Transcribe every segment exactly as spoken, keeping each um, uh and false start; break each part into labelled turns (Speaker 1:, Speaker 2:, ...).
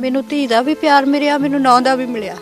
Speaker 1: ਮੈਨੂੰ ਧੀ ਦਾ ਵੀ ਪਿਆਰ ਮਿਲਿਆ, ਮੈਨੂੰ ਨੌਂ ਦਾ ਵੀ ਮਿਲਿਆ।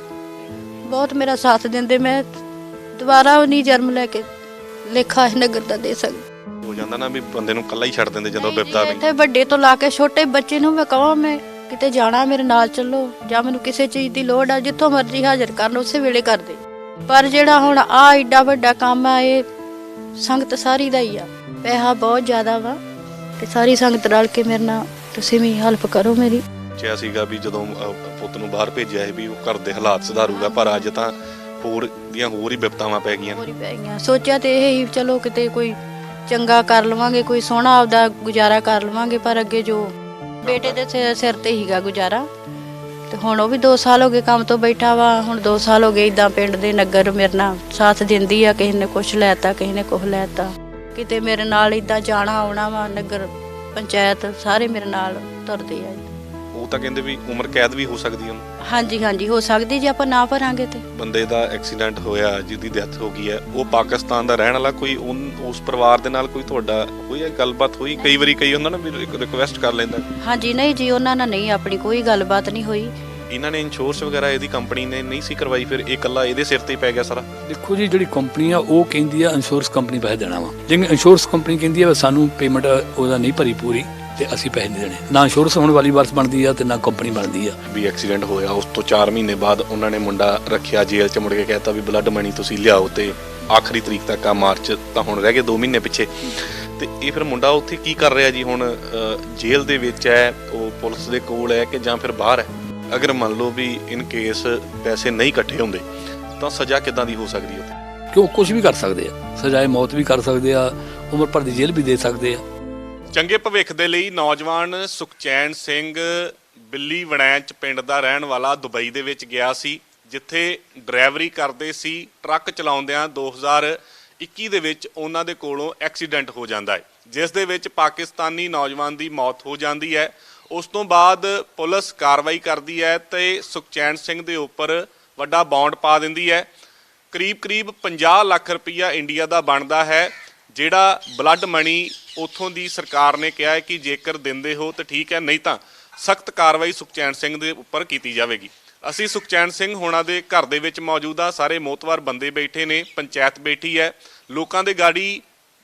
Speaker 1: ਬਹੁਤ ਮੇਰਾ ਸਾਥ ਦਿੰਦੇ। ਮੈਂ ਦੁਬਾਰਾ ਉਹ ਨਹੀਂ ਜਨਮ ਲੈ ਕੇ ਲੇਖਾ ਇਸ ਨਗਰ ਦਾ ਦੇ ਸਕਦੀ।
Speaker 2: ਹੋ ਜਾਂਦਾ ਨਾ ਵੀ ਬੰਦੇ ਨੂੰ ਇਕੱਲਾ ਹੀ ਛੱਡ ਦਿੰਦੇ ਜਦੋਂ ਵਿਪਤਾ ਪਈ।
Speaker 1: ਇੱਥੇ ਵੱਡੇ ਤੋਂ ਲਾ ਕੇ ਛੋਟੇ ਬੱਚੇ ਨੂੰ ਮੈਂ ਕਹਾਂ ਮੈਂ ਕਿਤੇ ਜਾਣਾ ਮੇਰੇ ਨਾਲ ਚੱਲੋ, ਜਾਂ ਮੈਨੂੰ ਕਿਸੇ ਚੀਜ਼ ਦੀ ਲੋੜ ਆ, ਜਿੱਥੋਂ ਮਰਜ਼ੀ ਹਾਜ਼ਰ ਕਰਨ ਉਸੇ ਵੇਲੇ ਕਰਦੇ। ਪਰ ਜਿਹੜਾ ਹੁਣ ਆ ਏਡਾ ਵੱਡਾ ਕੰਮ ਆ, ਇਹ ਸੰਗਤ ਸਾਰੀ ਦਾ ਹੀ ਆ। ਪੈਸਾ ਬਹੁਤ ਜ਼ਿਆਦਾ ਵਾ ਤੇ ਸਾਰੀ ਸੰਗਤ ਰਲ ਕੇ ਮੇਰੇ ਨਾਲ ਤੁਸੀਂ ਵੀ ਹੈਲਪ ਕਰੋ ਮੇਰੀ।
Speaker 2: ਸੋਚਿਆ ਸੀਗਾ ਵੀ ਜਦੋਂ ਪੁੱਤ ਨੂੰ ਬਾਹਰ ਭੇਜਿਆ ਸੀ ਵੀ ਉਹ ਘਰ ਦੇ ਹਾਲਾਤ ਸੁਧਾਰੂਗਾ, ਪਰ ਅੱਜ ਤਾਂ ਹੋਰ ਦੀਆਂ ਹੋਰ ਹੀ ਵਿਪਤਾਵਾਂ ਪੈ ਗਈਆਂ।
Speaker 1: ਹੋਰ ਹੀ ਪੈ ਗਈਆਂ। ਸੋਚਿਆ ਤੇ ਇਹ ਹੀ ਚਲੋ ਕਿਤੇ ਕੋਈ ਚੰਗਾ ਕਰ ਲਵਾਂਗੇ, ਕੋਈ ਸੋਹਣਾ ਆਪਦਾ ਗੁਜ਼ਾਰਾ ਕਰ ਲਵਾਂਗੇ, ਪਰ ਅੱਗੇ ਜੋ ਬੇਟੇ ਦੇ ਸਿਰ ਤੇ ਹੀਗਾ ਗੁਜ਼ਾਰਾ। ਤੇ ਹੁਣ ਉਹ ਵੀ ਦੋ ਸਾਲ ਹੋ ਗਏ ਕੰਮ ਤੋਂ ਬੈਠਾ ਵਾ। ਹੁਣ ਦੋ ਸਾਲ ਹੋ ਗਏ ਇੱਦਾਂ ਪਿੰਡ ਦੇ ਨਗਰ ਮੇਰੇ ਨਾਲ ਸਾਥ ਦਿੰਦੀ ਆ। ਕਿਸੇ ਨੇ ਕੁਛ ਲੈਤਾ, ਕਿਸੇ ਨੇ ਕੁਛ ਲੈਤਾ। ਕਿਤੇ ਮੇਰੇ ਨਾਲ ਇੱਦਾਂ ਜਾਣਾ ਆਉਣਾ ਵਾ, ਨਗਰ ਪੰਚਾਇਤ ਸਾਰੇ ਮੇਰੇ ਨਾਲ ਤੁਰਦੇ ਆ।
Speaker 2: ਉਹ ਤਾਂ ਕਹਿੰਦੇ ਵੀ ਉਮਰ ਕੈਦ ਵੀ ਹੋ ਸਕਦੀ ਉਹਨੂੰ। ਹਾਂਜੀ
Speaker 1: ਹਾਂਜੀ ਹੋ ਸਕਦੀ ਜੇ ਆਪਾਂ ਨਾ ਭਰਾਂਗੇ ਤੇ। ਬੰਦੇ
Speaker 2: ਦਾ ਐਕਸੀਡੈਂਟ ਹੋਇਆ, ਜਿਹਦੀ ਡੈਥ ਹੋ ਗਈ ਹੈ, ਉਹ ਪਾਕਿਸਤਾਨ ਦਾ ਰਹਿਣ ਵਾਲਾ। ਕੋਈ ਉਸ ਪਰਿਵਾਰ ਦੇ ਨਾਲ ਕੋਈ ਤੁਹਾਡਾ ਹੋਈ ਹੈ ਗੱਲਬਾਤ? ਹੋਈ ਕਈ ਵਾਰੀ ਕਈ ਹੁੰਦਾ ਨਾ ਵੀ ਰਿਕੁਐਸਟ ਕਰ ਲੈਂਦਾ। ਹਾਂਜੀ
Speaker 1: ਨਹੀਂ ਜੀ, ਉਹਨਾਂ ਨਾਲ ਨਹੀਂ ਆਪਣੀ ਕੋਈ ਗੱਲਬਾਤ ਨਹੀਂ ਹੋਈ।
Speaker 2: ਇਹਨਾਂ ਨੇ ਇੰਸ਼ੋਰੈਂਸ ਵਗੈਰਾ ਇਹਦੀ ਕੰਪਨੀ ਨੇ ਨਹੀਂ ਸੀ ਕਰਵਾਈ, ਫਿਰ ਇਹ ਇਕੱਲਾ ਇਹਦੇ ਸਿਰ ਤੇ ਹੀ ਪੈ ਗਿਆ ਸਾਰਾ।
Speaker 3: ਦੇਖੋ ਜੀ, ਜਿਹੜੀ ਕੰਪਨੀ ਆ ਉਹ ਕਹਿੰਦੀ ਆ ਇੰਸ਼ੋਰੈਂਸ ਕੰਪਨੀ ਪੈਸੇ ਦੇਣਾ ਵਾ। ਜਿਵੇਂ ਇੰਸ਼ੋਰੈਂਸ ਕੰਪਨੀ ਕਹਿੰਦੀ ਆ ਸਾਨੂੰ ਪੇਮੈਂਟ ਉਹਦਾ ਨਹੀਂ ਭਰੀ ਪੂਰੀ ਤੇ ਅਸੀਂ ਪੈਸੇ ਨਹੀਂ ਦੇਣੇ। ਨਾ ਇੰਸ਼ੋਰੈਂਸ ਹੋਣ ਵਾਲੀ ਵਾਰਸ ਬਣਦੀ ਆ ਤੇ ਨਾ ਕੰਪਨੀ ਬਣਦੀ ਆ।
Speaker 2: ਵੀ ਐਕਸੀਡੈਂਟ ਹੋਇਆ ਉਸ ਤੋਂ ਚਾਰ ਮਹੀਨੇ ਬਾਅਦ ਉਹਨਾਂ ਨੇ ਮੁੰਡਾ ਰੱਖਿਆ ਜੇਲ੍ਹ 'ਚ, ਮੁੜ ਕੇ ਕਹਿਤਾ ਵੀ ਬਲੱਡ ਮਨੀ ਤੁਸੀਂ ਲਿਆਓ, ਤੇ ਆਖਰੀ ਤਰੀਕ ਤੱਕ ਆ ਮਾਰਚ, ਤਾਂ ਹੁਣ ਰਹਿ ਗਏ ਦੋ ਮਹੀਨੇ ਪਿੱਛੇ। ਤੇ ਇਹ ਫਿਰ ਮੁੰਡਾ ਉੱਥੇ ਕੀ ਕਰ ਰਿਹਾ ਜੀ? ਹੁਣ ਜੇਲ੍ਹ ਦੇ ਵਿੱਚ ਹੈ, ਉਹ ਪੁਲਿਸ ਦੇ ਕੋਲ ਹੈ ਕਿ ਜਾਂ ਫਿਰ ਬਾਹਰ ਹੈ? ਅਗਰ ਮੰਨ ਲਓ ਵੀ ਇਨ ਕੇਸ ਪੈਸੇ ਨਹੀਂ ਇਕੱਠੇ ਹੁੰਦੇ ਤਾਂ ਸਜ਼ਾ ਕਿੱਦਾਂ ਦੀ ਹੋ ਸਕਦੀ ਹੈ ਉੱਥੇ?
Speaker 3: ਕਿਉਂ ਕੁਝ ਵੀ ਕਰ ਸਕਦੇ ਆ, ਸਜ਼ਾਏ ਮੌਤ ਵੀ ਕਰ ਸਕਦੇ ਆ, ਉਮਰ ਭਰ ਦੀ ਜੇਲ੍ਹ ਵੀ ਦੇ ਸਕਦੇ ਆ।
Speaker 2: ਚੰਗੇ ਭਵਿੱਖ ਦੇ ਲਈ ਨੌਜਵਾਨ ਸੁਖਚੈਨ ਸਿੰਘ ਬਿੱਲੀ ਵੜੈਂਚ ਪਿੰਡ ਦਾ ਰਹਿਣ ਵਾਲਾ ਦੁਬਈ ਦੇ ਵਿੱਚ ਗਿਆ ਸੀ, ਜਿੱਥੇ ਡਰਾਈਵਰੀ ਕਰਦੇ ਸੀ। ਟਰੱਕ ਚਲਾਉਂਦਿਆਂ ਦੋ ਹਜ਼ਾਰ ਇੱਕੀ ਦੇ ਵਿੱਚ ਉਹਨਾਂ ਦੇ ਕੋਲੋਂ ਐਕਸੀਡੈਂਟ ਹੋ ਜਾਂਦਾ ਹੈ, ਜਿਸ ਦੇ ਵਿੱਚ ਪਾਕਿਸਤਾਨੀ ਨੌਜਵਾਨ ਦੀ ਮੌਤ ਹੋ ਜਾਂਦੀ ਹੈ। ਉਸ ਤੋਂ ਬਾਅਦ ਪੁਲਿਸ ਕਾਰਵਾਈ ਕਰਦੀ ਹੈ ਤੇ ਸੁਖਚੈਨ ਸਿੰਘ ਦੇ ਉੱਪਰ ਵੱਡਾ ਬੌਂਡ ਪਾ ਦਿੰਦੀ ਹੈ। ਕਰੀਬ ਕਰੀਬ ਪੰਜਾਹ ਲੱਖ ਰੁਪਈਆ ਇੰਡੀਆ ਦਾ ਬਣਦਾ ਹੈ, ਜਿਹੜਾ ਬਲੱਡ ਮਨੀ ਉੱਥੋਂ ਦੀ ਸਰਕਾਰ ਨੇ ਕਿਹਾ ਹੈ ਕਿ ਜੇਕਰ ਦਿੰਦੇ ਹੋ ਤਾਂ ਠੀਕ ਹੈ, ਨਹੀਂ ਤਾਂ ਸਖਤ ਕਾਰਵਾਈ ਸੁਖਚੈਨ ਸਿੰਘ ਦੇ ਉੱਪਰ ਕੀਤੀ ਜਾਵੇਗੀ। ਅਸੀਂ ਸੁਖਚੈਨ ਸਿੰਘ ਹੋਣਾ ਦੇ ਘਰ ਦੇ ਵਿੱਚ ਮੌਜੂਦ ਹਾਂ। ਸਾਰੇ ਮੋਤਵਾਰ ਬੰਦੇ ਬੈਠੇ ਨੇ, ਪੰਚਾਇਤ ਬੈਠੀ ਹੈ, ਲੋਕਾਂ ਦੇ ਗਾੜੀ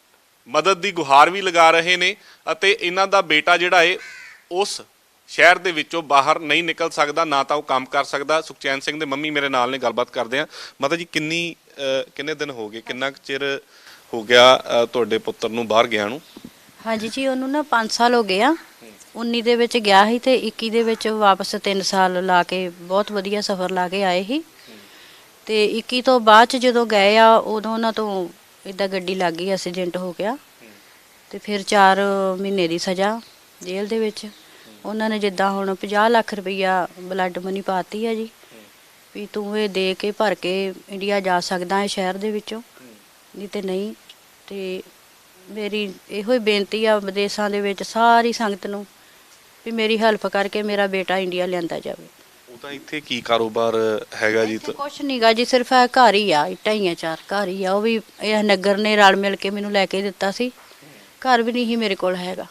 Speaker 2: ਮਦਦ ਦੀ ਗੁਹਾਰ ਵੀ ਲਗਾ ਰਹੇ ਨੇ। ਅਤੇ ਇਹਨਾਂ ਦਾ ਬੇਟਾ ਜਿਹੜਾ ਹੈ ਉਸ ਸ਼ਹਿਰ ਦੇ ਵਿੱਚੋਂ ਬਾਹਰ ਨਹੀਂ ਨਿਕਲ ਸਕਦਾ, ਨਾ ਤਾਂ ਉਹ ਕੰਮ ਕਰ ਸਕਦਾ। ਸੁਖਚੈਨ ਸਿੰਘ ਦੇ ਮੰਮੀ ਮੇਰੇ ਨਾਲ ਨੇ, ਗੱਲਬਾਤ ਕਰਦੇ ਆ। ਮਾਤਾ ਜੀ, ਕਿੰਨੀ ਕਿੰਨੇ ਦਿਨ ਹੋ ਗਏ, ਕਿੰਨਾ ਕੁ ਚਿਰ ਹੋ ਗਿਆ ਤੁਹਾਡੇ ਪੁੱਤਰ ਨੂੰ ਬਾਹਰ ਗਿਆ ਨੂੰ?
Speaker 1: ਹਾਂਜੀ ਜੀ, ਉਹਨੂੰ ਨਾ ਪੰਜ ਸਾਲ ਹੋ ਗਏ ਆ। ਉੱਨੀ ਦੇ ਵਿੱਚ ਗਿਆ ਸੀ ਤੇ ਇੱਕੀ ਦੇ ਵਿੱਚ ਵਾਪਸ ਤਿੰਨ ਸਾਲ ਲਾ ਕੇ ਬਹੁਤ ਵਧੀਆ ਸਫ਼ਰ ਲਾ ਕੇ ਆਏ ਸੀ। ਤੇ ਇੱਕੀ ਤੋਂ ਬਾਅਦ ਚ ਜਦੋਂ ਗਏ ਆ, ਉਦੋਂ ਉਹਨਾਂ ਤੋਂ ਇੱਦਾਂ ਗੱਡੀ ਲੱਗ ਗਈ, ਐਕਸੀਡੈਂਟ ਹੋ ਗਿਆ। ਤੇ ਫਿਰ ਚਾਰ ਮਹੀਨੇ ਦੀ ਸਜ਼ਾ ਜੇਲ੍ਹ ਦੇ ਵਿੱਚ। ਉਹਨਾਂ ਨੇ ਜਿੱਦਾਂ ਹੁਣ ਪੰਜਾਹ ਲੱਖ ਰੁਪਈਆ ਬਲੱਡ ਮਨੀ ਪਾਤੀ ਆ ਜੀ, ਵੀ ਤੂੰ ਇਹ ਦੇ ਕੇ ਭਰ ਕੇ ਇੰਡੀਆ ਜਾ ਸਕਦਾ ਹੈ ਸ਼ਹਿਰ ਦੇ ਵਿੱਚੋਂ, ਨਹੀਂ ਤੇ ਨਹੀਂ। ਤੇ ਮੇਰੀ ਇਹੋ ਹੀ ਬੇਨਤੀ ਆ ਵਿਦੇਸ਼ਾਂ ਦੇ ਵਿੱਚ ਸਾਰੀ ਸੰਗਤ ਨੂੰ ਵੀ ਮੇਰੀ ਹੈਲਪ ਕਰਕੇ ਮੇਰਾ ਬੇਟਾ ਇੰਡੀਆ ਲਿਆਂਦਾ ਜਾਵੇ।
Speaker 2: ਉਹ ਤਾਂ ਇੱਥੇ ਕੀ ਕਾਰੋਬਾਰ ਹੈਗਾ ਜੀ?
Speaker 1: ਕੁਛ ਨਹੀਂ ਗਾ ਜੀ, ਸਿਰਫ ਇਹ ਘਰ ਹੀ ਆ, ਇੱਟਾਂ ਹੀ ਆ, ਚਾਰ ਘਰ ਹੀ ਆ। ਉਹ ਵੀ ਇਹ ਨਗਰ ਨੇ ਰਲ ਮਿਲ ਕੇ ਮੈਨੂੰ ਲੈ ਕੇ ਦਿੱਤਾ ਸੀ। ਘਰ ਵੀ ਨਹੀਂ ਸੀ ਮੇਰੇ ਕੋਲ ਹੈਗਾ।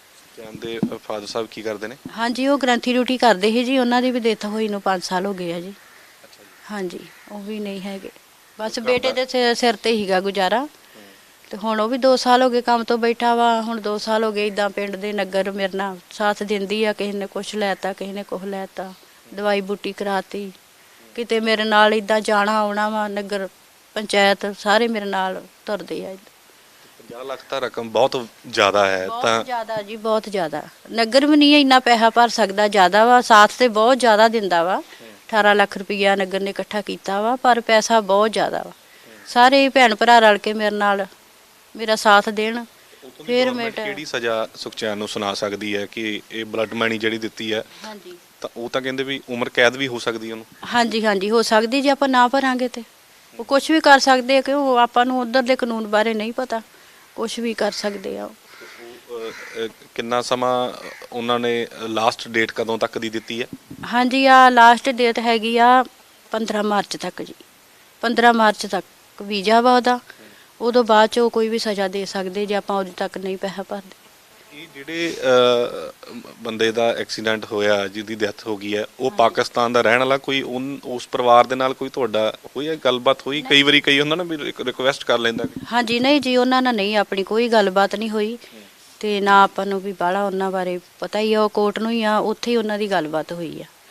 Speaker 2: ਕਹਿੰਦੇ ਫਾਦਰ ਸਾਹਿਬ ਕੀ ਕਰਦੇ ਨੇ?
Speaker 1: ਹਾਂਜੀ, ਉਹ ਗ੍ਰੰਥੀ ਡਿਊਟੀ ਕਰਦੇ ਸੀ ਜੀ। ਉਹਨਾਂ ਦੀ ਵੀ ਡੈਥ ਹੋਈ ਨੂੰ ਪੰਜ ਸਾਲ ਹੋ ਗਏ ਆ ਜੀ। ਹਾਂਜੀ, ਉਹ ਵੀ ਨਹੀਂ ਹੈਗੇ। ਬਸ ਬੇਟੇ ਦੇ ਸਿਰ ਤੇ ਹੀਗਾ ਗੁਜ਼ਾਰਾ। ਤੇ ਹੁਣ ਉਹ ਵੀ ਦੋ ਸਾਲ ਹੋ ਗਏ ਕੰਮ ਤੋਂ ਬੈਠਾ ਵਾ। ਹੁਣ ਦੋ ਸਾਲ ਹੋ ਗਏ ਇੱਦਾਂ ਪਿੰਡ ਦੇ ਨਗਰ ਮੇਰੇ ਨਾਲ ਸਾਥ ਦਿੰਦੀ ਆ। ਕਿਸੇ ਨੇ ਕੁਛ ਲੈਤਾ, ਕਿਸੇ ਨੇ ਕੁਛ ਲੈਤਾ, ਦਵਾਈ ਬੂਟੀ ਕਰਾਤੀ। ਕਿਤੇ ਮੇਰੇ ਨਾਲ ਇੱਦਾਂ ਜਾਣਾ ਆਉਣਾ ਵਾ, ਨਗਰ ਪੰਚਾਇਤ ਸਾਰੇ ਮੇਰੇ ਨਾਲ ਤੁਰਦੇ ਆ।
Speaker 2: ਪੰਜਾਹ ਲੱਖ ਤਾਂ ਰਕਮ ਬਹੁਤ ਜ਼ਿਆਦਾ ਹੈ। ਤਾਂ
Speaker 1: ਬਹੁਤ ਜ਼ਿਆਦਾ ਜੀ, ਬਹੁਤ ਜ਼ਿਆਦਾ। ਨਗਰ ਵੀ ਨਹੀਂ ਇੰਨਾ ਪੈਸਾ ਭਰ ਸਕਦਾ, ਜ਼ਿਆਦਾ ਵਾ। ਸਾਥ ਤੇ ਬਹੁਤ ਜ਼ਿਆਦਾ ਦਿੰਦਾ ਵਾ। ਅਠਾਰਾਂ ਲੱਖ ਰੁਪਈਆ ਨਗਰ ਨੇ ਇਕੱਠਾ ਕੀਤਾ ਵਾ, ਪਰ ਪੈਸਾ ਬਹੁਤ ਜ਼ਿਆਦਾ ਵਾ। ਸਾਰੇ ਭੈਣ ਭਰਾ ਰਲ ਕੇ ਮੇਰੇ ਨਾਲ ਮੇਰਾ ਸਾਥ ਦੇਣ। ਫਿਰ ਮੈਂ
Speaker 2: ਕਿਹੜੀ ਸਜ਼ਾ ਸੁਖਚੈਨ ਨੂੰ ਸੁਣਾ ਸਕਦੀ ਹੈ ਕਿ ਇਹ ਬਲੱਡ ਮਨੀ ਜਿਹੜੀ ਦਿੱਤੀ ਹੈ?
Speaker 1: ਹਾਂਜੀ,
Speaker 2: ਤਾਂ ਉਹ ਤਾਂ ਕਹਿੰਦੇ ਵੀ ਉਮਰ ਕੈਦ ਵੀ ਹੋ ਸਕਦੀ ਉਹਨੂੰ।
Speaker 1: ਹਾਂਜੀ ਹਾਂਜੀ ਹੋ ਸਕਦੀ ਜੇ ਆਪਾਂ ਨਾ ਭਰਾਂਗੇ ਤੇ। ਉਹ ਕੁਛ ਵੀ ਕਰ ਸਕਦੇ ਆ, ਕਿਉਂ ਆਪਾਂ ਨੂੰ ਉੱਧਰ ਦੇ ਕਾਨੂੰਨ ਬਾਰੇ ਨਹੀਂ ਪਤਾ। ਕੁਛ ਵੀ ਕਰ ਸਕਦੇ ਆ।
Speaker 2: ਕਿੰਨਾ ਸਮਾਂ ਉਹਨਾਂ ਨੇ ਲਾਸਟ ਡੇਟ ਕਦੋਂ ਤੱਕ ਦੀ ਦਿੱਤੀ ਹੈ? ਹਾਂਜੀ,
Speaker 1: ਆ ਲਾਸਟ ਡੇਟ ਹੈਗੀ ਆ ਪੰਦਰਾਂ ਮਾਰਚ ਤੱਕ ਜੀ। ਪੰਦਰਾਂ ਮਾਰਚ ਤੱਕ ਵੀਜ਼ਾ ਵਾ ਉਹਦਾ। ਉਦੋਂ ਬਾਅਦ 'ਚ ਉਹ ਕੋਈ ਵੀ ਸਜ਼ਾ ਦੇ ਸਕਦੇ ਜੇ ਆਪਾਂ ਉਦੋਂ ਤੱਕ ਨਹੀਂ ਪੈਸਾ ਭਰਦੇ।
Speaker 2: ਇਹ ਜਿਹੜੇ ਅਹ, ਬੰਦੇ ਦਾ ਐਕਸੀਡੈਂਟ ਹੋਇਆ ਜਿਹਦੀ ਡੈਥ ਹੋ ਗਈ ਹੈ ਉਹ ਪਾਕਿਸਤਾਨ ਦਾ ਰਹਿਣ ਵਾਲਾ ਕੋਈ ਉਨ- ਉਸ ਪਰਿਵਾਰ ਦੇ ਨਾਲ ਕੋਈ ਤੁਹਾਡਾ ਹੋਈ ਹੈ ਗੱਲਬਾਤ ਹੋਈ? ਕਈ ਵਾਰੀ ਕਈ ਹੁੰਦਾ ਨਾ ਵੀ ਰਿਕੁਐਸਟ ਕਰ ਲੈਂਦਾ ਕਿ
Speaker 1: ਹਾਂਜੀ ਨਹੀਂ ਜੀ, ਉਹਨਾਂ ਨਾਲ ਨਹੀਂ ਆਪਣੀ ਕੋਈ ਗੱਲਬਾਤ ਨਹੀਂ ਹੋਈ ਤੇ ਨਾ ਆਪਾਂ ਨੂੰ ਵੀ ਬਾਹਲਾ ਉਹਨਾਂ ਬਾਰੇ ਪਤਾ ਹੀ ਆ, ਉਹ ਕੋਰਟ ਨੂੰ ਹੀ ਆ, ਉੱਥੇ ਹੀ ਉਹਨਾਂ ਦੀ ਗੱਲਬਾਤ ਹੋਈ ਆ।